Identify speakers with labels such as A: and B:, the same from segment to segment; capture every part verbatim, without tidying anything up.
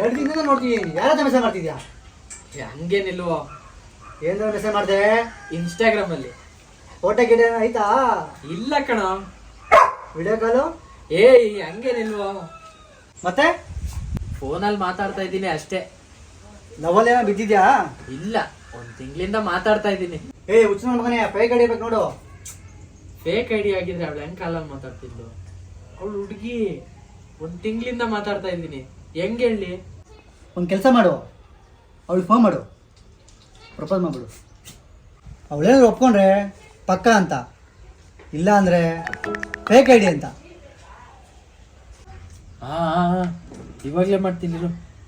A: ಎರಡು ದಿನದಿಂದ ನೋಡ್ತೀನಿ, ಯಾರಾದ್ರೂ ಮೆಸೇಜ್ ಮಾಡ್ತಿದ್ಯಾ?
B: ಹಂಗೇನಿಲ್ವೋ.
A: ಏನಾದ್ರು ಮೆಸೇಜ್ ಮಾಡಿದೆ?
B: ಇನ್ಸ್ಟಾಗ್ರಾಮ್ ಅಲ್ಲಿ
A: ಫೋಟೋ ಗಿಡ ಆಯ್ತಾ?
B: ಇಲ್ಲ ಕಣ.
A: Video call?
B: ಏಯ್ ಹಂಗೇನಿಲ್ವೋ.
A: ಮತ್ತೆ
B: ಫೋನಲ್ಲಿ ಮಾತಾಡ್ತಾ ಇದ್ದೀನಿ ಅಷ್ಟೇ.
A: ಲವಲ್ ಏನೋ ಬಿದ್ದಿದ್ಯಾ?
B: ಇಲ್ಲ, ಒಂದ್ ತಿಂಗಳಿಂದ ಮಾತಾಡ್ತಾ ಇದ್ದೀನಿ.
A: ಏ ಹುಚ್ಚು ಮಗನೇ, ಫೇಕ್ ಹಿಡಿಬೇಕು ನೋಡು.
B: ಫೇಕ್ ಐಡಿ ಆಗಿದ್ರೆ ಅವಳು ಹೆಂಗ್ ಕಾಲಲ್ಲಿ ಮಾತಾಡ್ತಿದ್ಲು? ಅವಳು ಹುಡುಗಿ, ಒಂದ್ ತಿಂಗಳಿಂದ ಮಾತಾಡ್ತಾ ಇದ್ದೀನಿ. ಹೆಂಗ್ ಹೇಳಿ?
A: ಒಂದು ಕೆಲಸ ಮಾಡು, ಅವಳಿಗೆ ಫೋನ್ ಮಾಡು, ಪ್ರಪೋಸ್ ಮಾಡ್ಬಿಡು. ಅವಳೇನಾದ್ರು ಒಪ್ಕೊಂಡ್ರೆ ಪಕ್ಕ ಅಂತ, ಇಲ್ಲ ಅಂದರೆ ಫೇಕ್ ಐಡಿ ಅಂತ.
B: ಹಾ ಇವಾಗಲೇ ಮಾಡ್ತೀನಿ.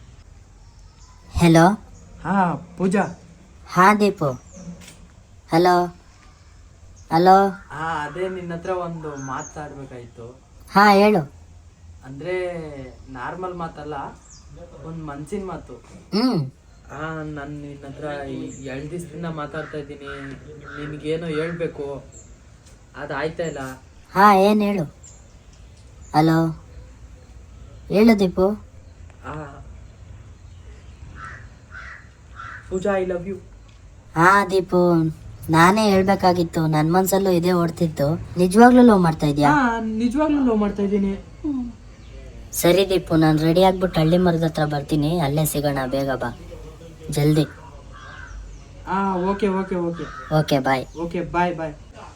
C: ಹಲೋ.
B: ಹಾ ಪೂಜಾ.
C: ಹಾ ದೀಪು. Hello hello.
B: ಹಾ ಅದೇ ನಿನ್ನ ಹತ್ರ ಒಂದು ಮಾತಾಡ್ಬೇಕಾಯ್ತು.
C: ಹಾ ಹೇಳು.
B: ಅಂದ್ರೆ ನಾರ್ಮಲ್ ಮಾತಲ್ಲ, ಒಂದು ಮನ್ಸಿನ ಮಾತು.
C: ಹ್ಮ್
B: ಹಾ ನಾನು ನಿನ್ನ ಹತ್ರ ಎರಡು ದಿವಸದಿಂದ ಮಾತಾಡ್ತಾ ಇದ್ದೀನಿ. ನಿನಗೇನೋ ಹೇಳ್ಬೇಕು, ಅದು ಆಯ್ತಾ ಇಲ್ಲ.
C: ಹಾ ಏನು ಹೇಳು. ಹಲೋ ಹೇಳು ದೀಪು.
B: ಹಾ ಪೂಜಾ, ಐ ಲವ್ ಯು.
C: ಹಾ ದೀಪು, ನಾನೇ ಹೇಳ್ಬೇಕಾಗಿತ್ತು. ನನ್ನ ಮನ್ಸಲ್ಲೂ ಇದೇ ಓಡ್ತಿತ್ತು. ನಿಜವಾಗ್ಲೂ ಲವ್ ಮಾಡ್ತಾ ಇದೀಯಾ?
B: ಹಾ ನಿಜವಾಗ್ಲೂ ಲವ್ ಮಾಡ್ತಾ ಇದ್ದೀನಿ.
C: ಸರಿ ದೀಪು, ನಾನು ರೆಡಿ ಆಗ್ಬಿಟ್ಟು ಹಳ್ಳಿ ಮರದ ಹತ್ರ ಬರ್ತೀನಿ. ಅಲ್ಲೇ ಸಿಗೋಣ, ಬೇಗ ಬಾ, ಜಲ್ದಿ.
B: ಹಾ okay okay okay
C: okay bye.
B: Okay bye bye.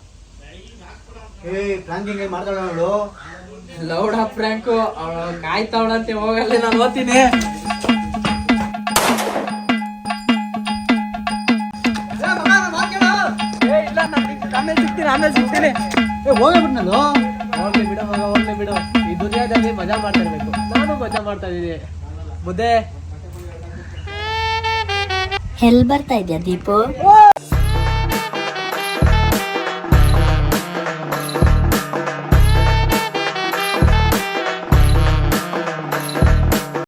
A: ಏ ಪ್ಲಾಂಕಿಂಗ್ ಮಾಡ್ತಾಳ ಅವಳು.
B: ಲೌಡ ಫ್ರ್ಯಾಂಕು, ಅವಳು ಕಾಯ್ತಾವಳಂತೆ. ಹೋಗಲ್ಲ, ನಾನು ಓದ್ತೀನಿ. ಇಲ್ಲ, ನಾನು ಆಮೇಲೆ ಸಿಗ್ತೀನಿ ಆಮೇಲೆ ಸಿಗ್ತೀನಿ.
A: ಏ ಹೋಗ್ಬಿಟ್ಟು ನಾನು
B: ಹೋಗ್ಲಿ ಬಿಡು ಮಗ, ಹೋಗ್ಲಿ ಬಿಡು. ಈ ದುನಿಯಾದಲ್ಲಿ ಮಜಾ ಮಾಡ್ತಾ ಇರ್ಬೇಕು. ನಾನು ಮಜಾ ಮಾಡ್ತಾ ಇದ್ದೀನಿ. ಮುದ್ದೆ
C: ಎಲ್ಲಿ ಬರ್ತಾ ಇದೆಯಾ ದೀಪು?
A: ಓ